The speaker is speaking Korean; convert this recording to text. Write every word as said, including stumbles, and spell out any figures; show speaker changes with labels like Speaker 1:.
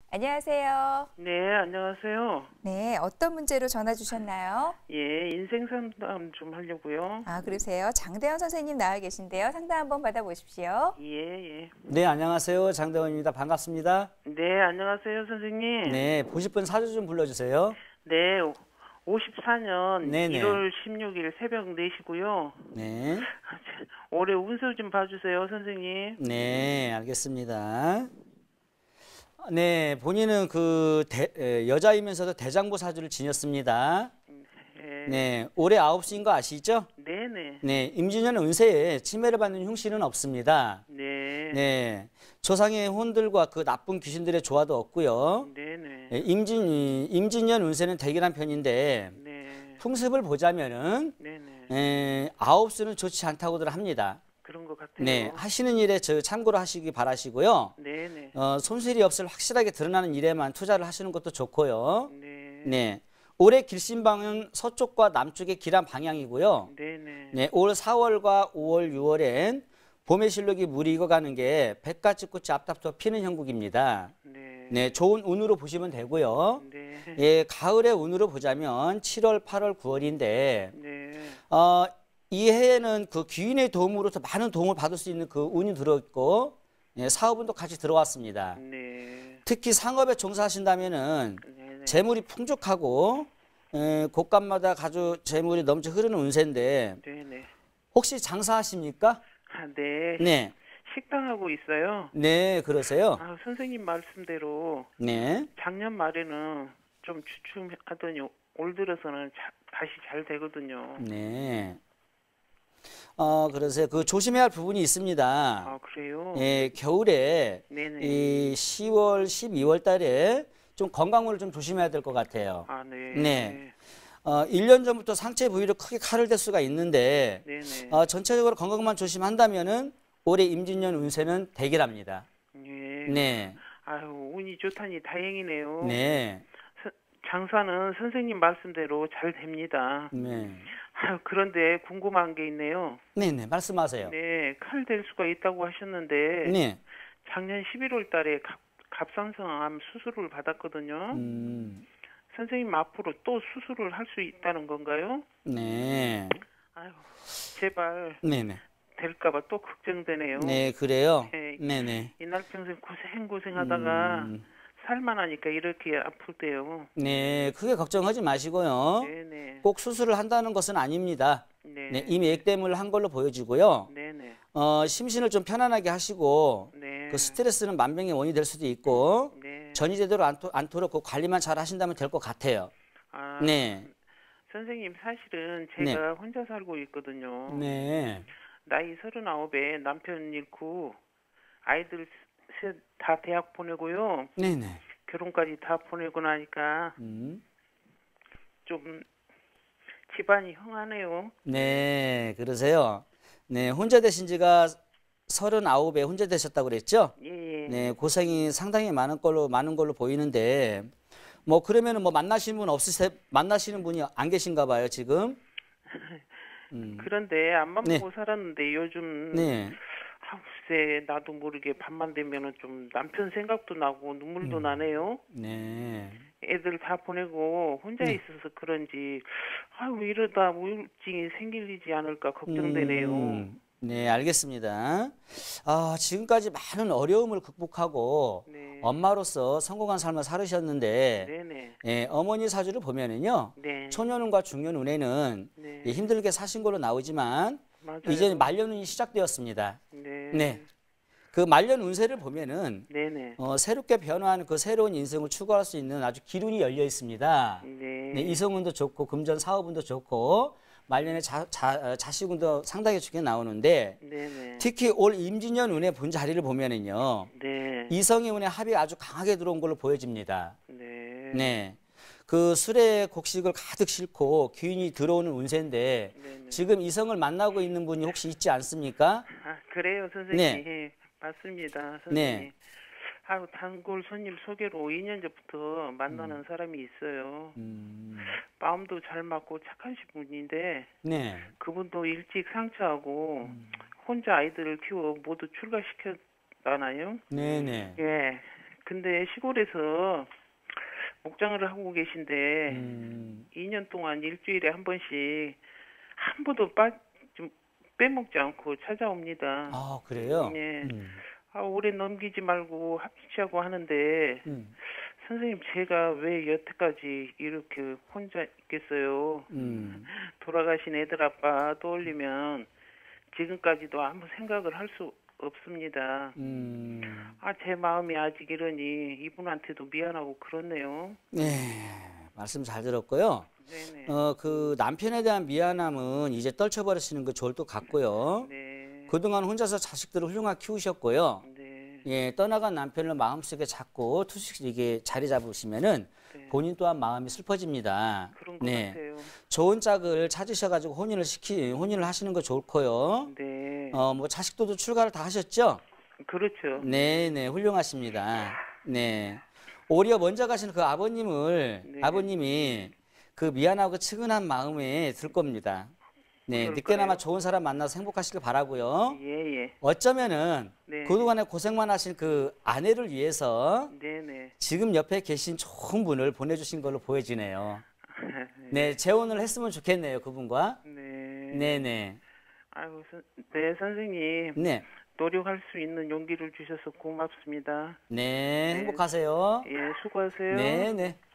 Speaker 1: 안녕하세요.
Speaker 2: 네, 안녕하세요.
Speaker 1: 네, 어떤 문제로 전화 주셨나요?
Speaker 2: 예, 인생 상담 좀 하려고요.
Speaker 1: 아, 그러세요. 장대원 선생님 나와 계신데요. 상담 한번 받아보십시오.
Speaker 2: 예, 예.
Speaker 3: 네, 안녕하세요. 장대원입니다. 반갑습니다.
Speaker 2: 네, 안녕하세요, 선생님.
Speaker 3: 네, 보실 분 사주 좀 불러주세요.
Speaker 2: 네, 오십사 년
Speaker 3: 네네.
Speaker 2: 일월 십육일 새벽 네 시고요.
Speaker 3: 네.
Speaker 2: 올해 운세 좀 봐주세요, 선생님.
Speaker 3: 네, 알겠습니다. 네, 본인은 그 대, 에, 여자이면서도 대장부 사주를 지녔습니다.
Speaker 2: 예.
Speaker 3: 네, 올해 아홉 시인 거 아시죠?
Speaker 2: 네네.
Speaker 3: 네, 임진년 운세에 침해를 받는 흉신은 없습니다.
Speaker 2: 네.
Speaker 3: 네, 조상의 혼들과 그 나쁜 귀신들의 조화도 없고요.
Speaker 2: 네네.
Speaker 3: 네, 임진, 임진년 운세는 대기란 편인데
Speaker 2: 네.
Speaker 3: 풍습을 보자면은
Speaker 2: 네네.
Speaker 3: 에, 아홉 수는 좋지 않다고들 합니다.
Speaker 2: 그런 것 같아요.
Speaker 3: 네, 하시는 일에 저 참고로 하시기 바라시고요.
Speaker 2: 네네.
Speaker 3: 어, 손실이 없을 확실하게 드러나는 일에만 투자를 하시는 것도 좋고요.
Speaker 2: 네.
Speaker 3: 네, 올해 길신 방은 서쪽과 남쪽의 길한 방향이고요.
Speaker 2: 네네.
Speaker 3: 네, 올 사월과 오월, 유월엔 봄의 실록이 물이 익어가는 게 백가지 꽃이 앞다퉈 피는 형국입니다.
Speaker 2: 네.
Speaker 3: 네, 좋은 운으로 보시면 되고요.
Speaker 2: 네.
Speaker 3: 예, 가을의 운으로 보자면 칠월, 팔월, 구월인데
Speaker 2: 네.
Speaker 3: 어, 이 해에는 그 귀인의 도움으로서 많은 도움을 받을 수 있는 그 운이 들어있고 예, 사업운도 같이 들어왔습니다.
Speaker 2: 네.
Speaker 3: 특히 상업에 종사하신다면은
Speaker 2: 네네.
Speaker 3: 재물이 풍족하고 에, 곳간마다 아주 재물이 넘쳐 흐르는 운세인데
Speaker 2: 네네.
Speaker 3: 혹시 장사하십니까?
Speaker 2: 아, 네.
Speaker 3: 네,
Speaker 2: 식당하고 있어요.
Speaker 3: 네, 그러세요.
Speaker 2: 아, 선생님 말씀대로
Speaker 3: 네,
Speaker 2: 작년 말에는 좀 주춤하더니 올 들어서는 자, 다시 잘 되거든요.
Speaker 3: 네. 어, 그러세요. 그 조심해야 할 부분이 있습니다.
Speaker 2: 아, 그래요?
Speaker 3: 예, 겨울에
Speaker 2: 네네.
Speaker 3: 이 시월, 십이월 달에 좀 건강을 좀 조심해야 될 것 같아요.
Speaker 2: 아, 네.
Speaker 3: 네. 어, 일 년 전부터 상체 부위로 크게 칼을 댈 수가 있는데
Speaker 2: 네네.
Speaker 3: 어, 전체적으로 건강만 조심한다면은 올해 임진년 운세는 대기랍니다.
Speaker 2: 예.
Speaker 3: 네.
Speaker 2: 아유, 운이 좋다니 다행이네요.
Speaker 3: 네.
Speaker 2: 서- 장사는 선생님 말씀대로 잘 됩니다.
Speaker 3: 네.
Speaker 2: 아유, 그런데 궁금한 게 있네요.
Speaker 3: 네, 네. 말씀하세요.
Speaker 2: 네, 칼 될 수가 있다고 하셨는데
Speaker 3: 네.
Speaker 2: 작년 십일월 달에 갑, 갑상선암 수술을 받았거든요.
Speaker 3: 음.
Speaker 2: 선생님 앞으로 또 수술을 할 수 있다는 건가요?
Speaker 3: 네.
Speaker 2: 아유, 제발
Speaker 3: 네, 네.
Speaker 2: 될까봐 또 걱정되네요.
Speaker 3: 네, 그래요.
Speaker 2: 네.
Speaker 3: 네, 네.
Speaker 2: 이날 평생 고생 고생하다가
Speaker 3: 음.
Speaker 2: 살만하니까 이렇게 아프대요.
Speaker 3: 네, 크게 걱정하지 마시고요.
Speaker 2: 네네.
Speaker 3: 꼭 수술을 한다는 것은 아닙니다.
Speaker 2: 네.
Speaker 3: 네, 이미 액땜을 한 걸로 보여지고요.
Speaker 2: 네네.
Speaker 3: 어, 심신을 좀 편안하게 하시고
Speaker 2: 네.
Speaker 3: 그 스트레스는 만병의 원인이 될 수도 있고
Speaker 2: 네.
Speaker 3: 전이 제대로 않도, 않도록 그 관리만 잘 하신다면 될 것 같아요.
Speaker 2: 아,
Speaker 3: 네,
Speaker 2: 선생님 사실은 제가 혼자 살고 있거든요.
Speaker 3: 네,
Speaker 2: 나이 서른아홉에 남편 잃고 아이들 셋 다 대학 보내고요.
Speaker 3: 네, 네.
Speaker 2: 결혼까지 다 보내고 나니까
Speaker 3: 음.
Speaker 2: 좀 집안이 흥하네요.
Speaker 3: 네, 그러세요. 네, 혼자 되신 지가 서른아홉에 혼자 되셨다고 그랬죠?
Speaker 2: 예, 예.
Speaker 3: 네, 고생이 상당히 많은 걸로 많은 걸로 보이는데 뭐 그러면은 뭐 만나시는 분 없으세 만나시는 분이 안 계신가 봐요, 지금. 음.
Speaker 2: 그런데 앞만
Speaker 3: 네.
Speaker 2: 보고 살았는데 요즘
Speaker 3: 네.
Speaker 2: 아, 글쎄 나도 모르게 밤만 되면은 좀 남편 생각도 나고 눈물도
Speaker 3: 음.
Speaker 2: 나네요.
Speaker 3: 네.
Speaker 2: 애들 다 보내고 혼자
Speaker 3: 네.
Speaker 2: 있어서 그런지 아유 이러다 우울증이 생기지 않을까 걱정되네요.
Speaker 3: 음, 네, 알겠습니다. 아, 지금까지 많은 어려움을 극복하고
Speaker 2: 네.
Speaker 3: 엄마로서 성공한 삶을 살으셨는데
Speaker 2: 네네.
Speaker 3: 예, 어머니 사주를 보면은요.
Speaker 2: 네.
Speaker 3: 초년운과 중년운에는
Speaker 2: 네.
Speaker 3: 예, 힘들게 사신 걸로 나오지만
Speaker 2: 맞아요.
Speaker 3: 이제 말년운이 시작되었습니다.
Speaker 2: 네.
Speaker 3: 네. 그 말년 운세를 보면은
Speaker 2: 네네.
Speaker 3: 어, 새롭게 변화하는 그 새로운 인생을 추구할 수 있는 아주 기운이 열려 있습니다.
Speaker 2: 네.
Speaker 3: 네, 이성운도 좋고 금전 사업운도 좋고 말년에 자, 자, 자식운도 상당히 좋게 나오는데
Speaker 2: 네네.
Speaker 3: 특히 올 임진년 운의 본 자리를 보면은요.
Speaker 2: 네.
Speaker 3: 이성의 운의 합이 아주 강하게 들어온 걸로 보여집니다.
Speaker 2: 네.
Speaker 3: 네. 그 술의 곡식을 가득 싣고 귀인이 들어오는 운세인데
Speaker 2: 네네.
Speaker 3: 지금 이성을 만나고 있는 분이 혹시 있지 않습니까?
Speaker 2: 아 그래요 선생님.
Speaker 3: 네.
Speaker 2: 맞습니다 선생님.
Speaker 3: 네.
Speaker 2: 아유 단골 손님 소개로 이 년 전부터 만나는 사람이 있어요.
Speaker 3: 음,
Speaker 2: 마음도 잘 맞고 착하신 분인데
Speaker 3: 네.
Speaker 2: 그분도 일찍 상처하고 혼자 아이들을 키워 모두 출가시켰잖아요.
Speaker 3: 네네.
Speaker 2: 예. 근데 시골에서 목장을 하고 계신데
Speaker 3: 음,
Speaker 2: 이 년 동안 일주일에 한 번씩 한 번도 빠, 좀 빼먹지 않고 찾아옵니다.
Speaker 3: 아, 그래요?
Speaker 2: 예.
Speaker 3: 음,
Speaker 2: 아, 오래 넘기지 말고 합치자고 하는데
Speaker 3: 음,
Speaker 2: 선생님 제가 왜 여태까지 이렇게 혼자 있겠어요?
Speaker 3: 음,
Speaker 2: 돌아가신 애들 아빠 떠올리면 지금까지도 아무 생각을 할 수 없습니다.
Speaker 3: 음.
Speaker 2: 아, 제 마음이 아직 이러니 이분한테도 미안하고 그렇네요.
Speaker 3: 네, 말씀 잘 들었고요.
Speaker 2: 네네.
Speaker 3: 어, 그 남편에 대한 미안함은 이제 떨쳐버리시는 거 좋을 것 같고요.
Speaker 2: 네.
Speaker 3: 그동안 혼자서 자식들을 훌륭하게 키우셨고요.
Speaker 2: 네.
Speaker 3: 예, 떠나간 남편을 마음속에 잡고 투식 이게 자리 잡으시면은
Speaker 2: 네.
Speaker 3: 본인 또한 마음이 슬퍼집니다.
Speaker 2: 그런 것
Speaker 3: 네,
Speaker 2: 같아요.
Speaker 3: 좋은 짝을 찾으셔가지고 혼인을 시키 혼인을 하시는 거 좋고요.
Speaker 2: 네.
Speaker 3: 어, 뭐 자식들도 출가를 다 하셨죠?
Speaker 2: 그렇죠.
Speaker 3: 네, 네, 훌륭하십니다. 네, 오히려 먼저 가신 그 아버님을
Speaker 2: 네.
Speaker 3: 아버님이 그 미안하고 측은한 마음에 들 겁니다. 네,
Speaker 2: 그럴까요?
Speaker 3: 늦게나마 좋은 사람 만나서 행복하시길 바라고요.
Speaker 2: 예, 예.
Speaker 3: 어쩌면은
Speaker 2: 네.
Speaker 3: 그동안에 고생만 하신 그 아내를 위해서
Speaker 2: 네네.
Speaker 3: 지금 옆에 계신 좋은 분을 보내주신 걸로 보여지네요. 네, 재혼을 했으면 좋겠네요, 그분과.
Speaker 2: 네.
Speaker 3: 네네.
Speaker 2: 아이고, 선, 네, 선생님.
Speaker 3: 네.
Speaker 2: 노력할 수 있는 용기를 주셔서 고맙습니다.
Speaker 3: 네, 행복하세요.
Speaker 2: 예, 수고하세요.
Speaker 3: 네, 네.